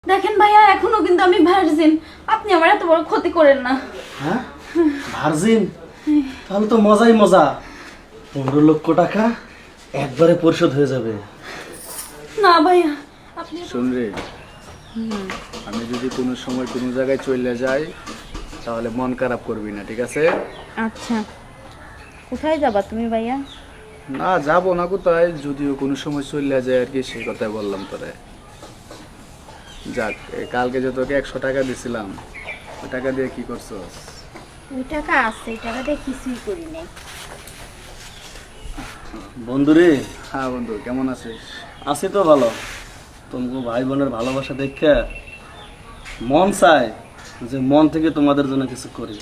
দেখেন ভাইয়া, এখনো কিন্তু আমি ভার্জিন। আপনি আমার এত বড় ক্ষতি করেন না। হ্যাঁ ভার্জিন? তাহলে তো মজাই মজা। 15 লক্ষ টাকা একবারে পরিশোধ হয়ে যাবে। না ভাইয়া, আপনি শুন রে, আমি যদি কোনো সময় কোনো জায়গায় চলে যাই তাহলে মন খারাপ করবি না, ঠিক আছে? আচ্ছা, কোথায় যাবা তুমি ভাইয়া? না যাবো না কোথায়, যদিও কোনো সময় চলে যায় আর কি, সেই কথাই বললাম তোরে। যাক, কালকে যে তোকে 100 টাকা দিছিলাম, ওই টাকা দিয়ে কি করছস? ওই টাকা আছে, ওই টাকা দিয়ে কিছুই করি নাই। বন্ধুরে, হ্যাঁ বন্ধু, কেমন আছিস? আছি তো ভালো। তোমাকে ভাই বোনের ভালোবাসা দেখে মন চায় যে মন থেকে তোমাদের জন্য কিছু করি।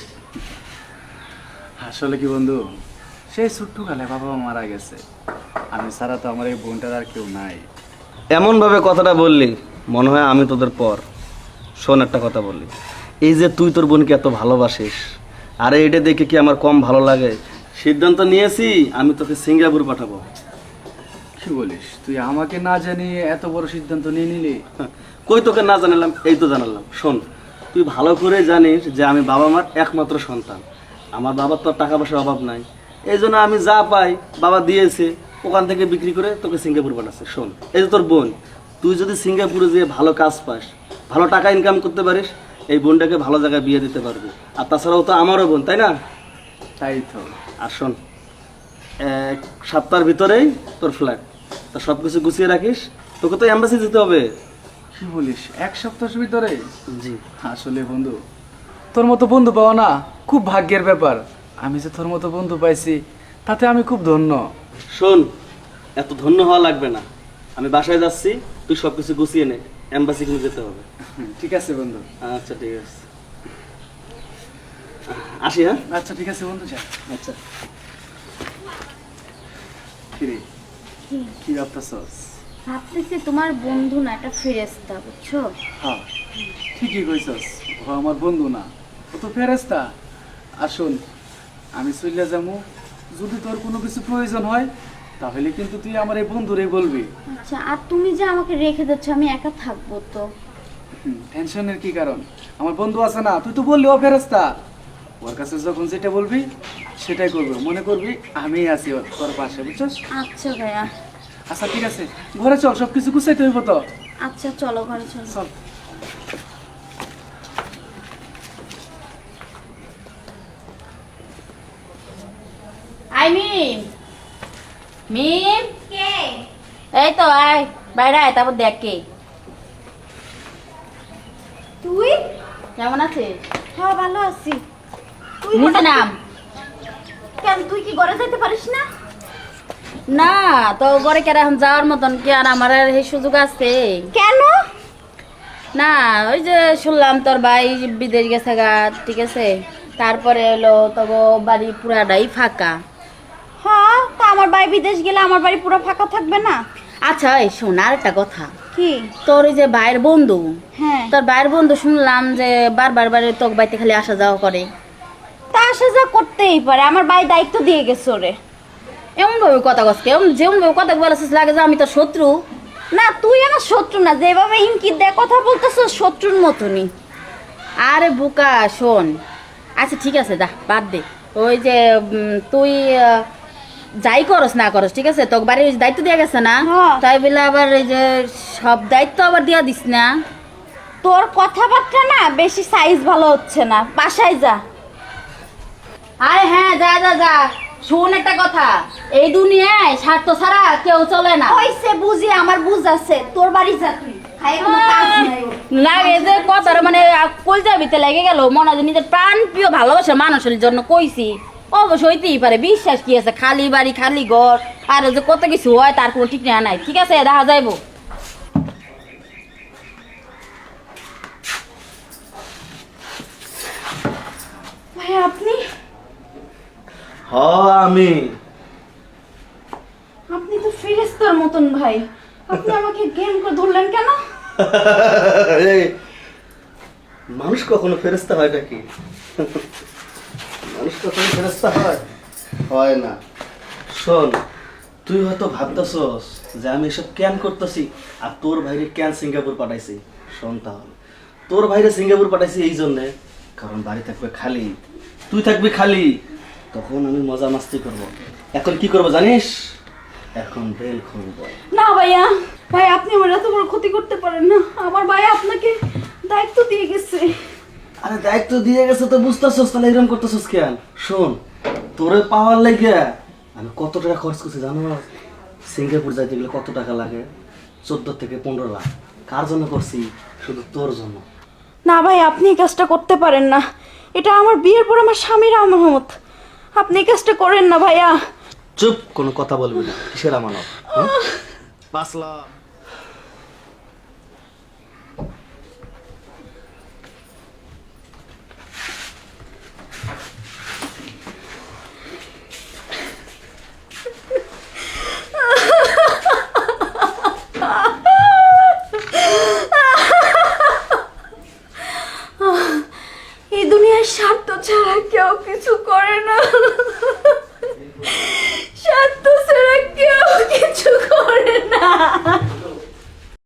আসলে কি বন্ধু, সেই ছোট্টকালে বাবা মা মারা গেছে, আমি ছাড়া তো আমার এই বোনটার আর কেউ নাই। এমন ভাবে কথাটা বললি মনে হয় আমি তোদের পর। শোন, একটা কথা বললি, এই যে তুই তোর বোনকে এত ভালোবাসিস, আরে এটা দেখে কি আমার কম ভালো লাগে? সিদ্ধান্ত নিয়েছি আমি তোকে সিঙ্গাপুর পাঠাবো। কি বলিস, তুই আমাকে না জানিয়ে এত বড় সিদ্ধান্ত নিয়ে নিলি? কই তোকে না জানালাম? এই তো জানালাম। শোন, তুই ভালো করে জানিস যে আমি বাবা মার একমাত্র সন্তান। আমার বাবার তো আর টাকা পয়সার অভাব নাই, এই জন্য আমি যা পাই বাবা দিয়েছে, ওখান থেকে বিক্রি করে তোকে সিঙ্গাপুর পাঠাচ্ছে। শোন, এই যে তোর বোন, তুই যদি সিঙ্গাপুরে যেয়ে ভালো কাজ পাস, ভালো টাকা ইনকাম করতে পারিস, এই বোনটাকে ভালো জায়গায় বিয়ে দিতে পারবি। আর তাছাড়াও তো আমারও বোন, তাই না? তাই তো। আর শোন, 1 সপ্তাহের ভিতরেই তোর ফ্ল্যাট, তা সব কিছু গুছিয়ে রাখিস। তোকে তো এম্বাসি যেতে হবে। কি বলিস, 1 সপ্তাহের ভিতরে? জি। আসলে বন্ধু, তোর মতো বন্ধু পাওয়া না খুব ভাগ্যের ব্যাপার। আমি যে তোর মতো বন্ধু পাইছি তাতে আমি খুব ধন্য। শোন, এত ধন্য হওয়া লাগবে না। আমি বাসায় যাচ্ছি, তুই সব কিছু গুছিয়ে নে, এম্বাসি কিন্তু যেতে হবে। ঠিক আছে বন্ধু। আচ্ছা ঠিক আছে, আসি। হ্যাঁ আচ্ছা ঠিক আছে বন্ধু, যা। আচ্ছা। কিরে, কি ভাবতেছস? ভাবতেছি তোমার বন্ধু না, একটা ফেরেশতা, বুঝছো? হ্যাঁ, ঠিকই কইছস, ও আমার বন্ধু না, ও তো ফেরেশতা। আর শোন, আমি চলে যাবো, যদি তোর কোনো কিছু প্রয়োজন হয় তাহলে কিন্তু তুই আমার এই বন্ধুরে বলবি। আচ্ছা, আর তুমি যে আমাকে রেখে যাচ্ছ, আমি একা থাকবো তো? টেনশনের কি কারণ? আমার বন্ধু আছে না, তুই তো বললি ও ফেরেশতা, ওর কাছে যখন যেটা বলবি সেটাই করবো, মনে করবি আমি আছি তোর পাশে, বুঝছস? আচ্ছা ভাইয়া। আচ্ছা ঠিক আছে, ঘরে চল, সব কিছু গুছাইতে হইব তো। আচ্ছা চলো, ঘরে চলো। চল। আই মিম, মিম কে? এই তো আয়, বাইরে আয়, তারপর দেখ কে। তুই কেমন আছিস? হ্যাঁ ভালো আছি। তুই নিচে নাম। কেন, তুই কি ঘরে যাইতে পারিস না? না, তো ঘরে কেন এখন যাওয়ার মতন কি আর আমার আর এই সুযোগ আছে? কেন? না, ওই যে শুনলাম তোর ভাই বিদেশ গেছে গা, ঠিক আছে, তারপরে হলো তবু বাড়ি পুরাটাই ফাঁকা। হ্যাঁ, তা আমার ভাই বিদেশ গেলে আমার বাড়ি পুরো ফাঁকা থাকবে না? আচ্ছা এই শোন, আর একটা কথা, কি? তোর ওই যে ভাইয়ের বন্ধু, হ্যাঁ, তোর ভাইয়ের বন্ধু শুনলাম যে বারবার বারে তোর বাড়িতে খালি আসা যাওয়া করে। তা আসা যা করতেই পারে, আমার ভাই দায়িত্ব দিয়ে গেছে ওরে। এমন ভাবে কথা কস, যেমন ভাবে কথা বলেছিস লাগে যে আমি তোর শত্রু। না, তুই আমার শত্রু না, যেভাবে ইঙ্কিত দেয় কথা বলতেছ শত্রুর মতনই। আরে বোকা, শোন, আচ্ছা ঠিক আছে, দা বাদ দে। ওই যে তুই যাই করস না করস, ঠিক আছে, তোর বাড়ির দায়িত্ব দেওয়া গেছে না, হ্যাঁ। তাই বলে আবার এই যে সব দায়িত্ব আবার দিয়া দিস না। তোর কথাবার্তা না বেশি সাইজ ভালো হচ্ছে না, বাসায় যা। আরে হ্যাঁ, যা যা যা। শোন একটা কথা, এই দুনিয়ায় স্বার্থ ছাড়া কেউ চলে না। হইছে, বুঝি, আমার বুঝ আছে, তোর বাড়ি যা তুই, খাই কোনো কাজ নাই ওর। লাগে যে কথার মানে কলজা ভিতরে লেগে গেল, মনে হয় যে নিজের প্রাণ প্রিয় ভালোবাসার মানুষের জন্য কইছি। অবশ্য হইতেই পারে, বিশ্বাস কি আছে, খালি বাড়ি খালি ঘর আর যে কত কিছু হয় তার কোনো ঠিক নাই। ঠিক আছে, দেখা যাইবো। ভাই আপনি হ আমি আপনি তো ফেরেশতার মতন ভাই, আপনি আমাকে গেম করে ধরলেন কেন? এই, মানুষ কখনো ফেরেশতা হয় নাকি? মানুষ কখনো ফেরেশতা হয়? হয় না। শোন, তুই হয়তো ভাবতেছস যে আমি এসব কেন করতেছি আর তোর ভাইরে কেন সিঙ্গাপুর পাঠাইছি। সন্তান। তোর ভাইরে সিঙ্গাপুর পাঠাইছি এই জন্যে, কারণ বাড়ি থাকবে খালি, তুই থাকবি খালি, তখন আমি মজা মাস্তি করব। এখন কি করবো জানিস? এখন বেল খুলবো। না ভাইয়া, ভাই আপনি আমার এত বড় ক্ষতি করতে পারেন না। আমার ভাই আপনাকে দায়িত্ব দিয়ে গেছে। আরে দায়িত্ব দিয়ে গেছে তো বুঝতেছস, তাহলে এরকম করতেছস কেন? শোন, তোরে পাওয়ার লাগে আমি কত টাকা খরচ করছি জানো? সিঙ্গাপুর যাইতে গেলে কত টাকা লাগে? 14 থেকে 15 লাখ। কার জন্য করছি? শুধু তোর জন্য। না ভাই, আপনি এই কাজটা করতে পারেন না। এটা আমার বিয়ের পর আমার স্বামীর আমানত। আপনি এই কাজটা করেন না ভাইয়া। চুপ, কোনো কথা বলবি না। কিসের আমানত? 5 লাখ। এই দুনিয়ায় স্বার্থ ছাড়া কেউ কিছু করে না।